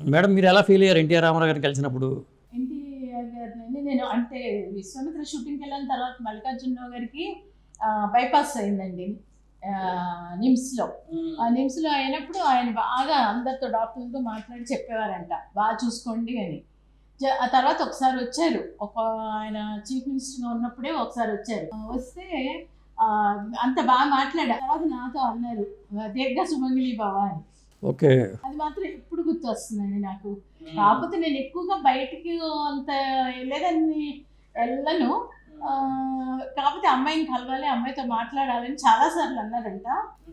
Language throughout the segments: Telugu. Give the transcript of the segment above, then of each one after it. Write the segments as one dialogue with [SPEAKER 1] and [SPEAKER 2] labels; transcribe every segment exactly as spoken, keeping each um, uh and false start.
[SPEAKER 1] మేడం మీరు ఎలా ఫీల్ అయ్యారు ఎన్టీఆర్ రామారావు గారిని కలిసినప్పుడు?
[SPEAKER 2] ఎన్టీఆర్ గారిని నేను అంటే విశ్వామిత్ర షూటింగ్కి వెళ్ళిన తర్వాత మల్లికార్జునరావు గారికి బైపాస్ అయిందండి నిమ్స్లో. ఆ నిమ్స్లో అయినప్పుడు ఆయన బాగా అందరితో డాక్టర్లతో మాట్లాడి చెప్పేవారంట బాగా చూసుకోండి అని. ఆ తర్వాత ఒకసారి వచ్చారు, ఒక ఆయన చీఫ్ మినిస్టర్గా ఉన్నప్పుడే ఒకసారి వచ్చారు. వస్తే అంత బాగా మాట్లాడారు. తర్వాత నాతో అన్నారు దీర్ఘ సుమంగిలి బావా అని.
[SPEAKER 1] ఓకే,
[SPEAKER 2] అది మాత్రం ఎప్పుడు గుర్తు వస్తుందండి నాకు. కాకపోతే నేను ఎక్కువగా బయటికి అంత లేదని వెళ్ళను. కాకపోతే అమ్మాయిని కలవాలి, అమ్మాయితో మాట్లాడాలని చాలా సార్లు అన్నారంట.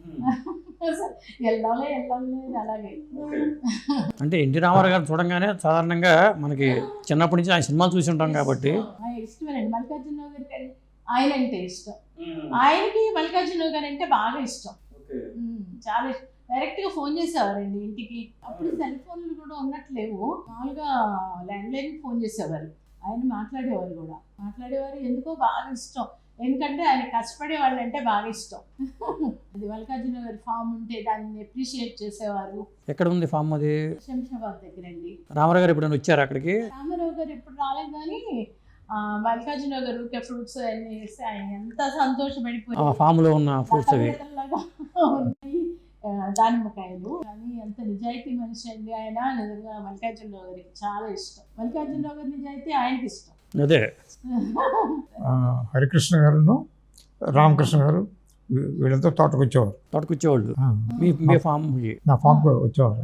[SPEAKER 2] వెళ్ళాలి వెళ్ళాలి అలాగే.
[SPEAKER 1] అంటే ఎన్టీ రామారావు గారు చూడంగానే సాధారణంగా మనకి చిన్నప్పటి నుంచి ఆయన సినిమాలు చూసి ఉంటాం కాబట్టి
[SPEAKER 2] ఇష్టమేనండి. మల్లికార్జునరావు గారికి ఆయన అంటే ఇష్టం, ఆయనకి మల్లికార్జునరావు గారు అంటే బాగా ఇష్టం, చాలా ఇష్టం. డైరెక్ట్గా ఫోన్ చేసేవారండి ఇంటికి. అప్పుడు సెల్ ఫోన్లు కూడా ఉన్నట్లేవు, మామూలుగా ల్యాండ్లైన్కి ఫోన్ చేసేవారు. ఆయన మాట్లాడేవారు కూడా మాట్లాడేవారు ఎందుకో బాగా ఇష్టం. ఎందుకంటే ఆయన కష్టపడే వాళ్ళు అంటే బాగా ఇష్టం. అది మల్లికార్జున గారి ఫామ్ ఉంటే దాన్ని అప్రిషియేట్ చేసేవారు.
[SPEAKER 1] ఎక్కడ ఉంది ఫామ్? అది
[SPEAKER 2] శంషాబాద్ దగ్గర అండి.
[SPEAKER 1] రామారావు గారు ఎప్పుడైనా వచ్చారు అక్కడికి?
[SPEAKER 2] రామారావు గారు ఎప్పుడు రాలేదు, కానీ మల్లికార్జున గారు ఊరికే ఫ్రూట్స్ అన్నీ వేస్తే ఆయన ఎంత సంతోషపడిపోయి
[SPEAKER 1] ఫామ్ లో ఉన్న ఫ్రూట్స్ అవి
[SPEAKER 2] ఉన్నాయి, దానిమ్మకాయలు. కానీ ఎంత నిజాయితీ మనిషి అండి ఆయన. నిజంగా మల్లికార్జునరావు గారికి చాలా ఇష్టం. మల్లికార్జునరావు గారి నిజాయితీ ఆయనకి ఇష్టం.
[SPEAKER 1] అదే
[SPEAKER 3] హరికృష్ణ గారు, రామకృష్ణ గారు వీళ్ళతో తోటకు వచ్చేవారు.
[SPEAKER 1] తోటకు వచ్చేవాళ్ళు మీ ఫామ్?
[SPEAKER 3] నా ఫామ్కి వచ్చేవారు.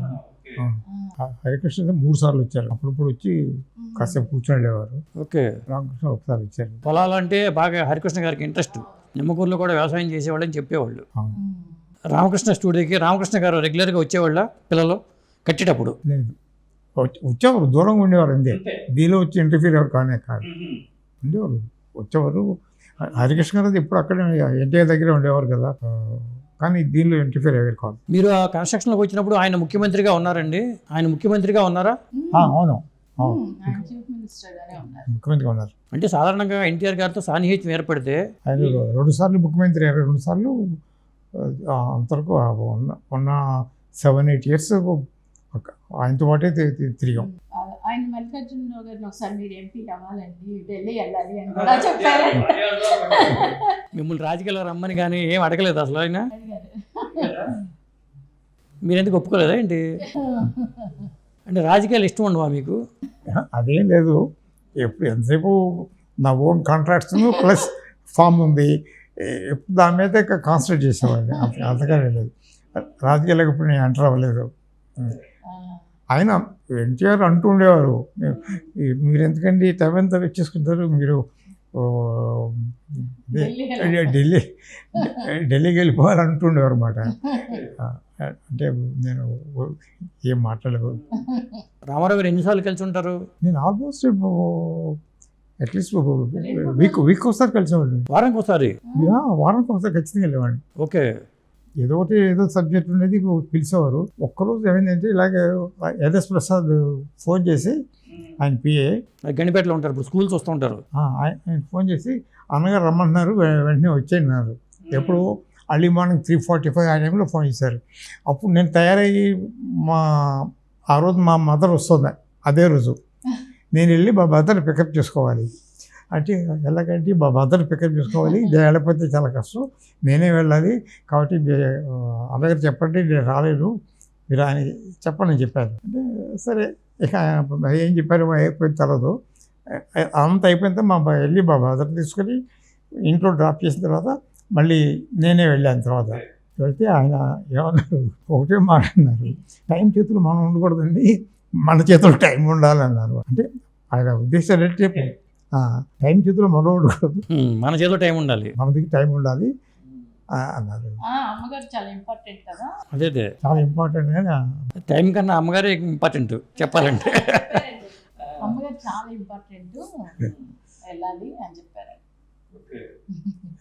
[SPEAKER 3] హరికృష్ణ మూడు సార్లు వచ్చారు. అప్పుడప్పుడు వచ్చి కాసేపు కూర్చొని వెళ్ళేవారు.
[SPEAKER 1] ఓకే,
[SPEAKER 3] రామకృష్ణ ఒకసారి వచ్చారు.
[SPEAKER 1] పొలాలు అంటే బాగా హరికృష్ణ గారికి ఇంట్రెస్ట్. నిమ్మకూరులో కూడా వ్యవసాయం చేసేవాళ్ళు అని చెప్పేవాళ్ళు. రామకృష్ణ స్టూడియోకి రామకృష్ణ గారు రెగ్యులర్గా వచ్చేవాళ్ళ పిల్లలు కట్టేటప్పుడు?
[SPEAKER 3] లేదు, వచ్చేవారు, దూరంగా ఉండేవారు అంతే. దీనిలో వచ్చి ఇంటర్ఫీర్ ఎవరు కానే కాదు, ఉండేవారు, వచ్చేవారు. హరికృష్ణ గారు ఎప్పుడు అక్కడే ఎన్టీఆర్ దగ్గరే ఉండేవారు కదా, కానీ దీనిలో ఇంటర్ఫీర్ ఎవరు కాదు.
[SPEAKER 1] మీరు ఆ కన్స్ట్రక్షన్లోకి వచ్చినప్పుడు ఆయన ముఖ్యమంత్రిగా ఉన్నారండి? ఆయన ముఖ్యమంత్రిగా ఉన్నారా?
[SPEAKER 3] అవును,
[SPEAKER 2] ముఖ్యమంత్రిగా
[SPEAKER 3] ఉన్నారు.
[SPEAKER 1] అంటే సాధారణంగా ఎన్టీఆర్ గారితో సాన్నిహిత్యం ఏర్పడితే
[SPEAKER 3] ఆయన రెండు సార్లు ముఖ్యమంత్రి అయ్యారు. రెండు సార్లు అంతవరకు ఉన్న ఉన్న సెవెన్ ఎయిట్ ఇయర్స్ ఆయనతో పాటే తిరిగాం.
[SPEAKER 2] ఆయన మల్లికార్జునరావు గారిని ఒకసారి మీరు ఎంపీ అవ్వాలండి, ఢిల్లీ వెళ్ళాలి అని కూడా చెప్పారు.
[SPEAKER 1] మిమ్మల్ని రాజకీయాల్లో రమ్మని కానీ ఏం అడగలేదు అసలు ఆయన? మీరు ఎందుకు ఒప్పుకోలేదా ఏంటి? అంటే రాజకీయాలు ఇష్టం ఉండవా మీకు?
[SPEAKER 3] అదేం లేదు, ఎప్పుడు ఎంతసేపు నా ఓన్ కాంట్రాక్ట్స్ ప్లస్ ఫామ్ ఉంది, దాని మీద కాన్సన్ట్రేట్ చేసేవాడిని. అంతగానే లేదు, రాజకీయాలకు ఇప్పుడు నేను ఎంటర్ అవ్వలేదు. ఆయన ఎన్టీఆర్ అంటూ ఉండేవారు, మీరు ఎందుకండి టైం ఎంత వచ్చేసుకుంటారు, మీరు ఢిల్లీ ఢిల్లీకి వెళ్ళిపోవాలని అంటుండేవారు అన్నమాట. అంటే నేను ఏం మాట్లాడలేదు.
[SPEAKER 1] రామారావు గారు ఎన్నిసార్లు కలిసి ఉంటారు?
[SPEAKER 3] నేను ఆల్మోస్ట్ అట్లీస్ట్ వీక్ వీక్ ఒకసారి కలిసేవాడిని.
[SPEAKER 1] వారానికి ఒకసారి?
[SPEAKER 3] వారానికి ఒకసారి ఖచ్చితంగా వెళ్ళేవాడిని.
[SPEAKER 1] ఓకే,
[SPEAKER 3] ఏదో ఒకటి ఏదో సబ్జెక్ట్ ఉండేది పిలిచేవారు. ఒక్కరోజు ఏమైందంటే ఇలాగే యదేశ్ ప్రసాద్ ఫోన్ చేసి, ఆయన పిఏ
[SPEAKER 1] గణిపేటలో ఉంటారు, ఇప్పుడు స్కూల్స్ వస్తూ ఉంటారు,
[SPEAKER 3] ఆయన ఫోన్ చేసి అన్నగారు రమ్మంటున్నారు వెంటనే వచ్చేయన్నారు. ఎప్పుడు early morning three forty five ఆ టైంలో ఫోన్ చేశారు. అప్పుడు నేను తయారయ్యి మా ఆ రోజు మా మదర్ వస్తుంది, అదే రోజు నేను వెళ్ళి మా మదర్ని పికప్ చేసుకోవాలి. అంటే ఎలాగంటే మా మదర్ని పికప్ చేసుకోవాలి, వెళ్ళకపోతే చాలా కష్టం, నేనే వెళ్ళాలి, కాబట్టి అన్నగారు చెప్పండి నేను రాలేను, మీరు ఆయన చెప్పండి అని చెప్పారు. అంటే సరే, ఇక ఏం చెప్పారు అయిపోయిన తర్వాత అంత అయిపోయిన తర్వాత మా వెళ్ళి మా మదర్ తీసుకొని ఇంట్లో డ్రాప్ చేసిన తర్వాత మళ్ళీ నేనే వెళ్ళాను. తర్వాత వెళ్తే ఆయన ఏమన్నారు, ఒకటే మాట అన్నారు, టైం చేతులు మనం ఉండకూడదండి, మన చేతులు టైం ఉండాలన్నారు. అంటే ఆయన ఉద్దేశం ఏంటంటే టైం చేతిలో మనం ఉండకూడదు,
[SPEAKER 1] మన చేతిలో టైం ఉండాలి,
[SPEAKER 3] మన దగ్గర టైం ఉండాలి అన్నారు.
[SPEAKER 2] అమ్మగారు చాలా ఇంపార్టెంట్ కదా.
[SPEAKER 1] అదే అదే
[SPEAKER 3] చాలా ఇంపార్టెంట్, కానీ
[SPEAKER 1] టైం కన్నా అమ్మగారే ఇంపార్టెంట్ చెప్పాలంటే.
[SPEAKER 2] అమ్మగారు చాలా ఇంపార్టెంట్, వెళ్ళాలి అని చెప్పారు.